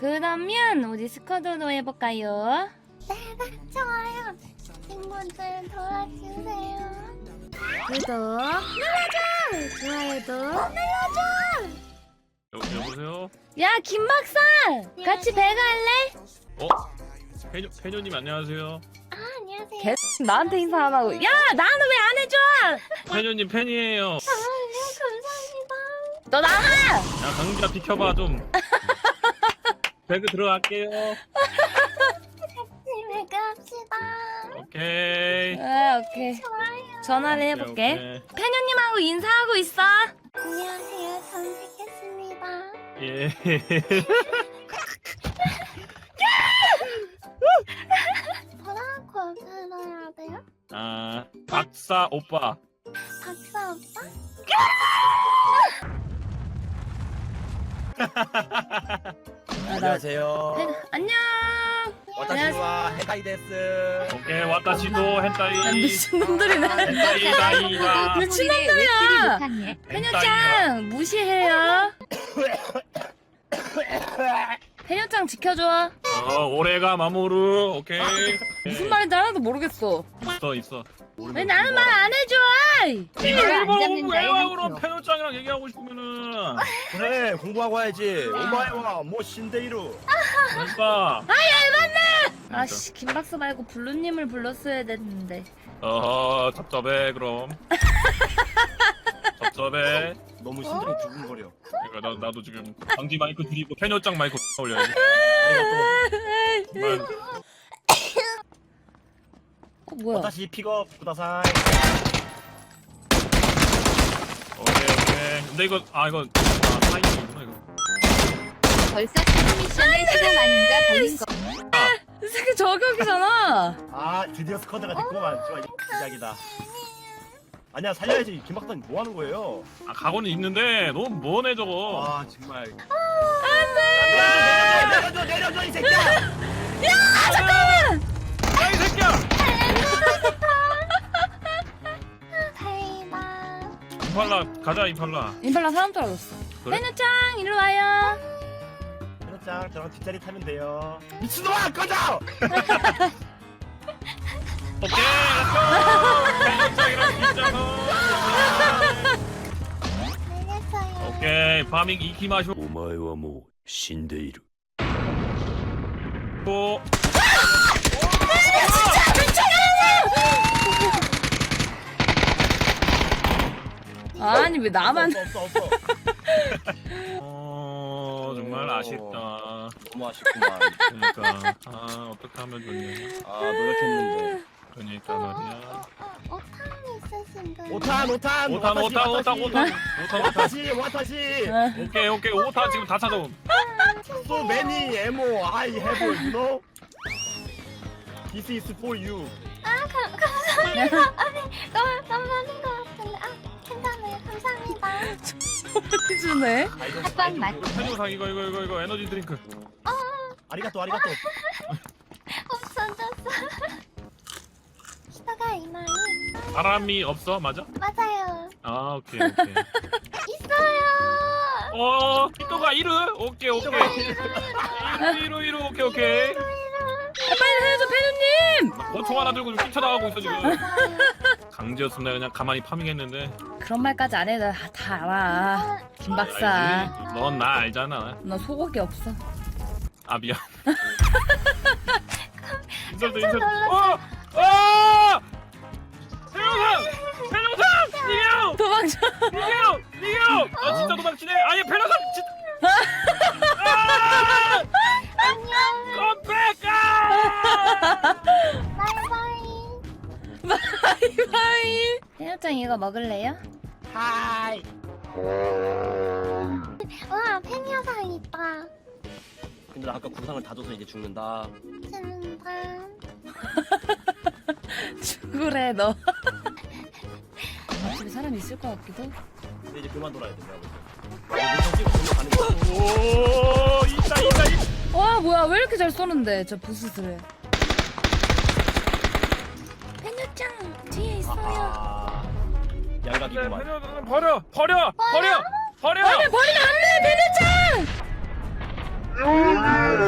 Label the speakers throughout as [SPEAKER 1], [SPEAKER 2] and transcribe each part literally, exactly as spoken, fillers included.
[SPEAKER 1] 그러면 우리 스쿼드로 해볼까요?
[SPEAKER 2] 네, 좋아요. 친구들 도와주세요.
[SPEAKER 1] 구독 눌러줘! 좋아요도 눌러줘!
[SPEAKER 3] 여, 여보세요?
[SPEAKER 1] 야 김박사! 같이 배가 할래?
[SPEAKER 3] 어? 페뇨, 페뇨님 안녕하세요.
[SPEAKER 2] 아, 안녕하세요.
[SPEAKER 1] 개 나한테 인사 안 하고 야 나는 왜 안 해줘!
[SPEAKER 3] 페뇨님 팬이에요.
[SPEAKER 2] 아, 네, 감사합니다.
[SPEAKER 1] 너 나가!
[SPEAKER 3] 야 강자 비켜봐 좀. 배그 들어갈게요.
[SPEAKER 2] 집에 갑시다.
[SPEAKER 3] 오케이.
[SPEAKER 1] 아 오케이
[SPEAKER 2] 좋아요.
[SPEAKER 1] 전화를
[SPEAKER 3] 오케이,
[SPEAKER 1] 해볼게
[SPEAKER 3] 오케이.
[SPEAKER 1] 페녀님하고 인사하고 있어.
[SPEAKER 2] 안녕하세요. 전 뵙겠습니다.
[SPEAKER 3] 예.
[SPEAKER 2] 뭐라고 불러야 돼요?
[SPEAKER 3] 아 박사 오빠.
[SPEAKER 2] 박사 오빠?
[SPEAKER 4] 안녕하세요.
[SPEAKER 1] 페... 안녕.
[SPEAKER 4] 와타시와 헤다이데스.
[SPEAKER 3] 오케이 와타시도 헨타이.
[SPEAKER 1] 야, 미친놈들이네.
[SPEAKER 3] 헨타이 다이다.
[SPEAKER 1] 미친놈들이야. 페녀짱 무시해요. 페녀짱 지켜줘.
[SPEAKER 3] 어 올해가 마모루. 오케이.
[SPEAKER 1] 무슨 말인지 하나도 모르겠어.
[SPEAKER 3] 있어 있어.
[SPEAKER 1] 왜 나는 말 안 해줘?
[SPEAKER 3] 네가
[SPEAKER 5] 안
[SPEAKER 3] 일본
[SPEAKER 5] 잡는다에
[SPEAKER 3] 외화으로
[SPEAKER 5] 한 표.
[SPEAKER 3] 페뇨짱이랑 얘기하고 싶으면은
[SPEAKER 4] 그래 공부하고 와야지. 오마이와 뭐 신데이루.
[SPEAKER 3] 그러니까.
[SPEAKER 1] 아씨 김박사 말고 블루님을 불렀어야 됐는데.
[SPEAKER 3] 어허 답답해 그럼. 답답해.
[SPEAKER 4] 너무 심장이 두근거려.
[SPEAKER 3] 그러니까 나, 나도 지금 방지 마이크 드리고 페뇨짱 마이크 올려야지.
[SPEAKER 4] 아리가또.
[SPEAKER 3] 정말
[SPEAKER 1] 어 뭐야?
[SPEAKER 4] 와타시 픽업 구다사이.
[SPEAKER 3] 오케이 오케이. 근데 이거 아 이거 아 타이밍이구나 이거.
[SPEAKER 5] 벌써 첫 미션의 시간 아닌가 걸린 거.
[SPEAKER 1] 이 새끼 저격이잖아.
[SPEAKER 4] 아 드디어 스쿼드가 됐구만. 좋아 이제 시작이다. 아니야 살려야지. 김박사님 뭐 하는 거예요?
[SPEAKER 3] 아 각오는 있는데 너무 뭐네 저거.
[SPEAKER 4] 아 정말. 안돼. 내려줘 내려줘 이 새끼야.
[SPEAKER 1] 야 잠깐만.
[SPEAKER 3] 야이 새끼야.
[SPEAKER 2] 대박.
[SPEAKER 3] 임팔라 가자 임팔라.
[SPEAKER 1] 임팔라 사람 떨어졌어.
[SPEAKER 3] 그래?
[SPEAKER 1] 페녀짱 일로 와요.
[SPEAKER 4] 페노짱 저랑 뒷자리 타면 돼요. 미친놈아 꺼져.
[SPEAKER 3] 오케이 렛츠고. 페뇨짱이랑 뒷좌석.
[SPEAKER 2] 알겠어요.
[SPEAKER 3] 오케이 파밍 이키마쇼.
[SPEAKER 6] お前はもう死んでいる。
[SPEAKER 3] 또.
[SPEAKER 1] 아니 왜 나만?
[SPEAKER 4] 없어 없어 없어.
[SPEAKER 3] 어 정말 아쉽다.
[SPEAKER 4] 너무 아쉽구만.
[SPEAKER 3] 그러니까 아 어떻게 하면 좋니?
[SPEAKER 4] 아 노력했는데.
[SPEAKER 3] 그러니까 말이야.
[SPEAKER 2] 어, 오탄 있으신 분.
[SPEAKER 4] 오탄 오탄
[SPEAKER 3] 오탄 오탄 오탄 오탄 오탄 오탄.
[SPEAKER 4] 와타시 와타시.
[SPEAKER 3] 오케이 오케이 오탄 지금 다 찾아옴.
[SPEAKER 4] So many ammo I have, you know. This is for you.
[SPEAKER 2] 아, 감, 감사합니다. 아니, 너무 너무 많은 것 같은데. 아, 괜찮아요. 감사합니다.
[SPEAKER 1] 해주네.
[SPEAKER 5] 합방 맛.
[SPEAKER 3] 페뇨상 이거 이거 이거 이거 에너지 드링크.
[SPEAKER 4] 아리가또 아리가또.
[SPEAKER 2] 없어졌어. 시도가 이마이.
[SPEAKER 3] 바람이 없어 맞아?
[SPEAKER 2] 맞아요.
[SPEAKER 3] 아 오케이 오케이.
[SPEAKER 2] 있어요.
[SPEAKER 3] 어 이거가 이르 오케이 오케이. 이루 이루 이루 오케이 오케이.
[SPEAKER 1] 빨리 해줘 페녀님.
[SPEAKER 3] 권총 하나 들고 좀 뛰쳐나가고 있어 지금.
[SPEAKER 2] 맞아요.
[SPEAKER 3] 강제였으면 내가 그냥 가만히 파밍했는데.
[SPEAKER 1] 그런 말까지 안 해도 다, 다 알아. 김박사.
[SPEAKER 3] 넌 나 알잖아.
[SPEAKER 1] 너 소고기 없어.
[SPEAKER 3] 아 미안. 인설도 인설. 어! 어! 페뇨상! 페뇨상! 이겨!
[SPEAKER 1] 도망쳐.
[SPEAKER 3] 이겨! 이겨! 아 진짜 도망치네. 아니 페뇨상 진짜. 아!
[SPEAKER 2] 안녕.
[SPEAKER 3] 컴백아!
[SPEAKER 2] 바이바이.
[SPEAKER 1] 바이바이. 페녀짱 이거 먹을래요?
[SPEAKER 4] 하이.
[SPEAKER 2] 와, 팬여상 있다.
[SPEAKER 4] 근데 나 아까 구상을 다 줘서 이제 죽는다.
[SPEAKER 2] 재밌다.
[SPEAKER 1] 죽으래 너. 집에 사람 있을 것 같기도.
[SPEAKER 4] 근데 이제 그만 돌아야 돼. 내가 볼 때. 찍고 가는 거.
[SPEAKER 3] 오 있다 있다 있다.
[SPEAKER 1] 와 뭐야 왜 이렇게 잘 쏘는데 저 부스스를. 페녀짱 뒤에 있어요.
[SPEAKER 4] 아. 양각이구만.
[SPEAKER 3] 페뇨 버려 버려 버려 버려.
[SPEAKER 1] 아니 버리면 안돼 페녀짱.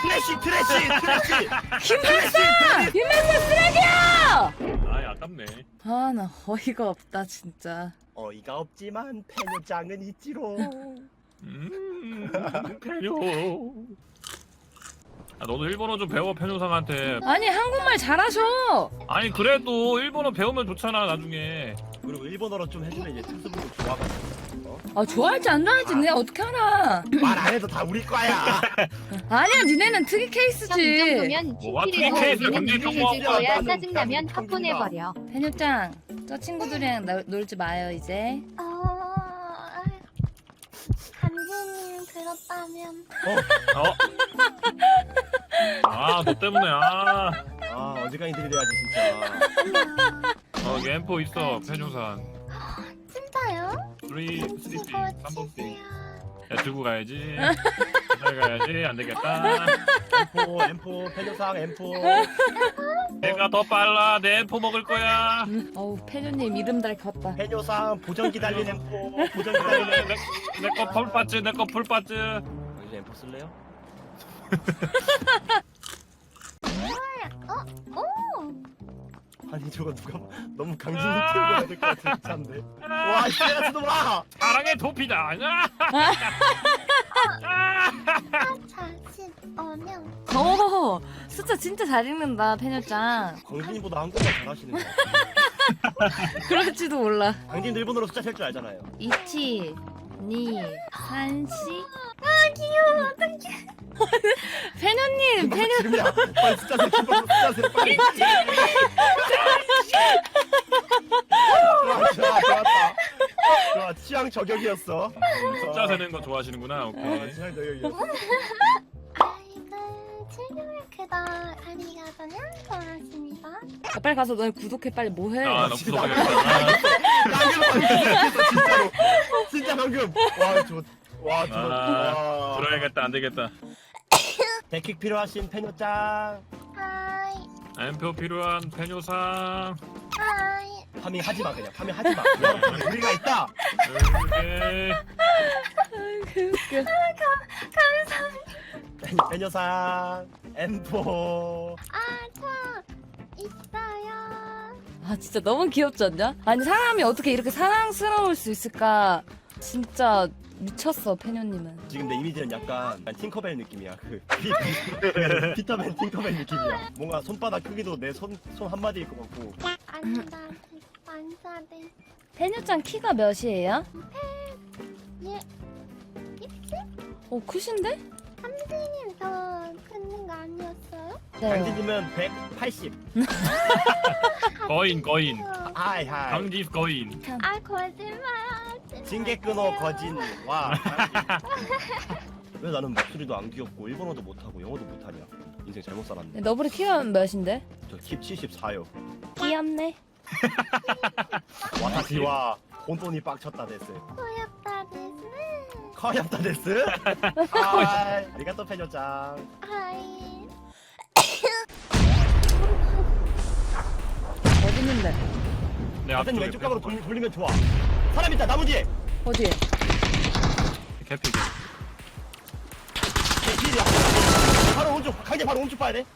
[SPEAKER 4] 트래시 트래시 트래시.
[SPEAKER 1] 김박사! 김박사 쓰레기야!
[SPEAKER 3] 아이 아깝네.
[SPEAKER 1] 아 나 어이가 없다 진짜.
[SPEAKER 4] 어이가 없지만 페뇨짱은 있지로.
[SPEAKER 3] 음 페뇨. 아 너도 일본어 좀 배워 페뇨상한테.
[SPEAKER 1] 아니 한국말 잘하셔.
[SPEAKER 3] 아니 그래도 일본어 배우면 좋잖아 나중에.
[SPEAKER 4] 그리고 일본어로 좀 해주면 이제 특수부도 좋아가지고. 어?
[SPEAKER 1] 아 좋아할지 안 좋아할지 니네 어떻게 알아?
[SPEAKER 4] 말 안 해도 다 우리 거야.
[SPEAKER 1] 아니야 니네는 특이
[SPEAKER 5] 형 이
[SPEAKER 1] 케이스지.
[SPEAKER 5] 정도면
[SPEAKER 3] 뭐가
[SPEAKER 5] 키키리도
[SPEAKER 3] 케이스야,
[SPEAKER 5] 우리는
[SPEAKER 3] 근데
[SPEAKER 5] 이해해줄
[SPEAKER 3] 좀
[SPEAKER 5] 거야.
[SPEAKER 4] 뭐,
[SPEAKER 5] 짜증나면
[SPEAKER 4] 좀
[SPEAKER 5] 팝보내버려.
[SPEAKER 1] 페뇨짱 저 친구들이랑 나- 놀지 마요 이제.
[SPEAKER 2] 어, 간지님 그렇다면
[SPEAKER 3] 어? 아 너 때문에 아.
[SPEAKER 4] 아 언제까지 들이대야지 진짜.
[SPEAKER 3] 어 엠포 있어 페뇨산.
[SPEAKER 2] 진짜요?
[SPEAKER 3] 쓰리 쓰리
[SPEAKER 2] 이거
[SPEAKER 3] 삼 번
[SPEAKER 2] 주세요.
[SPEAKER 3] 야 들고 가야지. 잘 가야지 안 되겠다.
[SPEAKER 4] 엠포 엠포 페뇨상 엠포.
[SPEAKER 3] 내가 더 빨라 내 엠포 먹을 거야.
[SPEAKER 1] 음, 어우 페뇨님 이름 달컸다.
[SPEAKER 4] 페뇨상 보정기 달린 엠포. 보정기 달린 엠포.
[SPEAKER 3] 내거 풀빠츠 내거 풀빠츠.
[SPEAKER 4] 당신 엠포 쓸래요?
[SPEAKER 2] 어? 오!
[SPEAKER 4] 아니 저거 누가 너무 강진이 틀고 해야 될 것 같은 차인데. 와 씨앗도 봐.
[SPEAKER 3] 사랑의 도피다.
[SPEAKER 2] 사사십 어명.
[SPEAKER 1] 오 숫자 진짜 잘 읽는다 페뇨짱.
[SPEAKER 4] 강진이보다 한국말 잘하시는 거야.
[SPEAKER 1] 그럴지도 몰라.
[SPEAKER 4] 강진도 일본어로 숫자 셀 줄 알잖아요.
[SPEAKER 1] 이치 니 산시.
[SPEAKER 2] 아 귀여워. 어떡해.
[SPEAKER 1] 페뇨님 페뇨.
[SPEAKER 4] 지금이야. 빨리 숫자 세. 김밥으로 숫자 세. 빨리. 좋아 좋아 좋았다. 좋아 취향 저격이었어.
[SPEAKER 3] 숫자 세는 거 좋아하시는구나.
[SPEAKER 4] 어,
[SPEAKER 3] 오케이.
[SPEAKER 4] 취향 저격이었어.
[SPEAKER 2] 아이고 즐겨크다 아리가토냐 고맙습니다.
[SPEAKER 1] 아, 빨리 가서 너네 구독해 빨리 뭐해?
[SPEAKER 3] 아, 너
[SPEAKER 4] 진짜
[SPEAKER 3] 구독하겠다.
[SPEAKER 4] 방금 방금 생각했어 진짜로. 진짜 방금. 와 좋. 와 좋아.
[SPEAKER 3] 아,
[SPEAKER 4] 와.
[SPEAKER 3] 들어야겠다. 안 되겠다.
[SPEAKER 4] 데킥 필요하신 페뇨짱.
[SPEAKER 2] 하이
[SPEAKER 3] 엠포 필요한 페뇨상.
[SPEAKER 2] 하이.
[SPEAKER 4] 파밍 하지 마 그냥. 파밍 하지 마. 우리가 있다.
[SPEAKER 3] 오케이.
[SPEAKER 1] 아이고 웃겨.
[SPEAKER 2] 감사합니다.
[SPEAKER 4] 페뇨상 엠포.
[SPEAKER 2] 아저 있어요.
[SPEAKER 1] 아 진짜 너무 귀엽지 않냐? 아니 사람이 어떻게 이렇게 사랑스러울 수 있을까? 진짜 미쳤어 페뇨님은.
[SPEAKER 4] 지금 내 이미지는 약간 팅커벨 느낌이야. 그 피- 피터맨 팅커벨 느낌이야. 뭔가 손바닥 크기도 내 손 손 한 마디일 것 같고.
[SPEAKER 2] 안다 안사대.
[SPEAKER 1] 페뇨짱 키가 몇이에요?
[SPEAKER 2] 예.
[SPEAKER 1] 어 크신데?
[SPEAKER 2] 삼촌님 더 크는 거 아니었어요?
[SPEAKER 1] 네.
[SPEAKER 4] 강진님은 백팔십.
[SPEAKER 3] 거인 거인.
[SPEAKER 4] 하이 하이.
[SPEAKER 3] 강지 거인.
[SPEAKER 2] 아 거짓말.
[SPEAKER 4] 징계 끊어 거진와. 왜 나는 목소리도 안 귀엽고 일본어도 못하고 영어도 못하냐. 인생 잘못 살았네.
[SPEAKER 1] 네, 너브리 키가 몇인데?
[SPEAKER 4] 저 킵 칠십사요.
[SPEAKER 1] 귀엽네.
[SPEAKER 4] 와타시와 혼돈이 빡쳤다 데스.
[SPEAKER 2] 고맙다 데스.
[SPEAKER 4] 커엽다 데스. 아, 아리가또 페뇨짱.
[SPEAKER 2] 하이.
[SPEAKER 1] 어디 있는데?
[SPEAKER 3] 내
[SPEAKER 4] 가든님
[SPEAKER 3] 앞쪽에
[SPEAKER 4] 왼쪽 각으로 돌, 돌리면 좋아. 사람 있다 나무 뒤에.
[SPEAKER 1] 어디?
[SPEAKER 3] 캐피.
[SPEAKER 4] 내 뒤에야. 바로 오른쪽. 강제 바로 오른쪽 봐야 돼.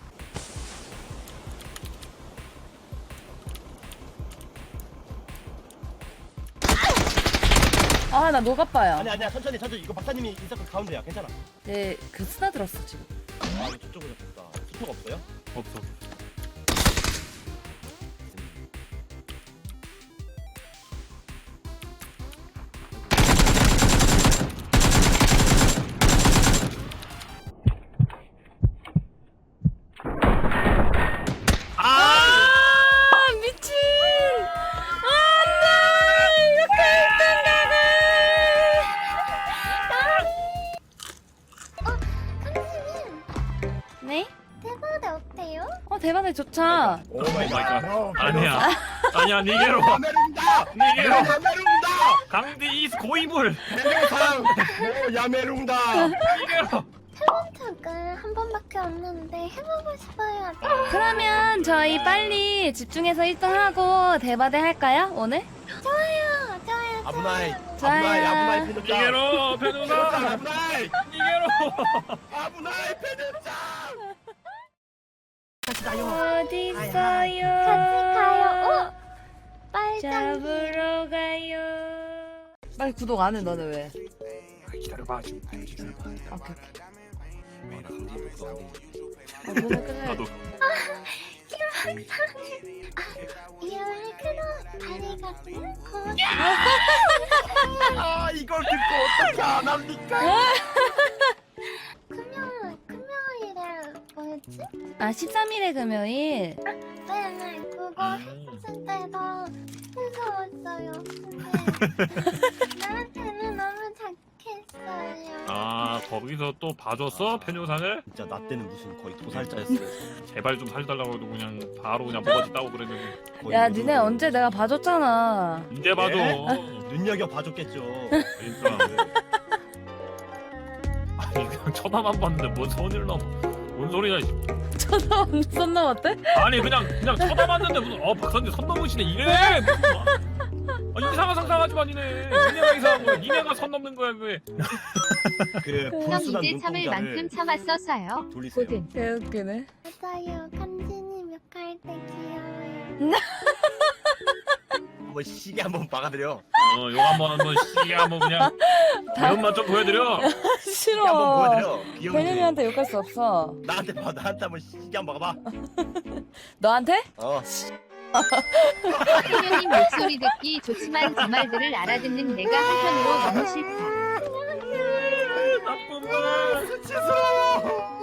[SPEAKER 1] 아 나 녹아빠요.
[SPEAKER 4] 아니 아니야 천천히 천천히. 이거 박사님이 인사클 가운데야. 괜찮아.
[SPEAKER 1] 네그 스나들었어 지금.
[SPEAKER 4] 아 이거 저쪽으로 됐다. 수표가 없어요?
[SPEAKER 3] 없어.
[SPEAKER 1] 아 미친. 안돼 이렇게
[SPEAKER 2] 선생님
[SPEAKER 1] 네?
[SPEAKER 2] 대박이 어때요?
[SPEAKER 1] 어 대박이 좋죠.
[SPEAKER 4] 오
[SPEAKER 3] 마이 갓.
[SPEAKER 4] 갓.
[SPEAKER 3] 아니야. 아니야 니게로.
[SPEAKER 4] 야메룽다.
[SPEAKER 3] 니게로.
[SPEAKER 4] 야메룽다.
[SPEAKER 3] 강디 이스 고이물.
[SPEAKER 4] 해명상. 오, 야메룽다.
[SPEAKER 3] 니게로.
[SPEAKER 2] 척을 한 번밖에 없는데 해보고 싶어요.
[SPEAKER 1] 그러면 저희 빨리 집중해서 일 등 하고 대바대 할까요 오늘?
[SPEAKER 2] 좋아요, 좋아요.
[SPEAKER 4] 아부나이.
[SPEAKER 1] 좋아요.
[SPEAKER 4] 아부나이 아부나이 페뇨짱.
[SPEAKER 3] 니게로 페뇨상.
[SPEAKER 4] 아부나이.
[SPEAKER 3] 니게로.
[SPEAKER 4] 아부나이 페뇨짱.
[SPEAKER 1] 어디
[SPEAKER 2] 같이
[SPEAKER 1] 있어요?
[SPEAKER 2] 가요. 오! 빨간
[SPEAKER 1] 잡으러 가요. 빨리 구독 안 해, 너는 왜?
[SPEAKER 3] 아, 기다려봐 지금.
[SPEAKER 1] 오케이, 오케이.
[SPEAKER 4] 아, 나 강진이 그거 안 돼.
[SPEAKER 1] 어, 너네 끝내.
[SPEAKER 3] 나도.
[SPEAKER 2] 이름을 크로 다리 같은 고
[SPEAKER 4] 아, 이걸 듣고 어떻게 안 합니까?
[SPEAKER 2] 금요일 금요일에 뭐였지?
[SPEAKER 1] 아, 십삼 일에 금요일.
[SPEAKER 2] 네네 그거
[SPEAKER 3] 음.
[SPEAKER 2] 했을 때도 무서웠어요. 근데 나한테는 너무 착했어요.
[SPEAKER 3] 아 거기서 또 봐줬어 편요상을?
[SPEAKER 4] 진짜 나 때는 무슨 거의 도살자였어.
[SPEAKER 3] 제발 좀 살달라고 해도 그냥 바로 그냥 뭐가지 따고 그랬는데
[SPEAKER 4] 거의
[SPEAKER 1] 야,
[SPEAKER 4] 그
[SPEAKER 1] 니네
[SPEAKER 4] 정도로.
[SPEAKER 1] 언제 내가 봐줬잖아.
[SPEAKER 3] 이제 봐줘.
[SPEAKER 4] 네? 눈여겨 봐줬겠죠.
[SPEAKER 3] 그러니까 아니 그냥 쳐다만 봤는데 뭔 손을 넘어? 뭔 소리야? 씨.
[SPEAKER 1] 쳐다 손 넘었대?
[SPEAKER 3] 아니 그냥 그냥 쳐다봤는데 무슨 어 박사님 손 넘으시네 이래. 무슨 뭐- 아, 이상한 상상하지 마 니네. 니네가 이상한 거야. 니네가 선 넘는 거야 왜?
[SPEAKER 4] 그
[SPEAKER 5] 형
[SPEAKER 4] 불순한
[SPEAKER 5] 이제 참을 만큼
[SPEAKER 4] 눈동자를
[SPEAKER 5] 참았어서요.
[SPEAKER 4] 돌리세요.
[SPEAKER 5] 고든.
[SPEAKER 1] 개웃기네.
[SPEAKER 2] 맞아요. 간진이 몇갈 때 귀여워요.
[SPEAKER 4] 한번 시계 한번 박아드려.
[SPEAKER 3] 어 요거 한번 한번 시계 한번 그냥 배움만 좀 보여드려.
[SPEAKER 4] 시계 한번
[SPEAKER 1] 싫어.
[SPEAKER 4] 보여드려. 귀여운지.
[SPEAKER 1] 팬이한테 욕할 수 없어.
[SPEAKER 4] 나한테 봐. 나한테 한번 시계 한번 박아봐.
[SPEAKER 1] 너한테?
[SPEAKER 4] 어.
[SPEAKER 5] 혜련님 목소리 듣기 좋지만 그 말들을 알아듣는 내가 한편으로 너무 싫다.
[SPEAKER 3] 나쁜 놈아.
[SPEAKER 4] 수치스러워.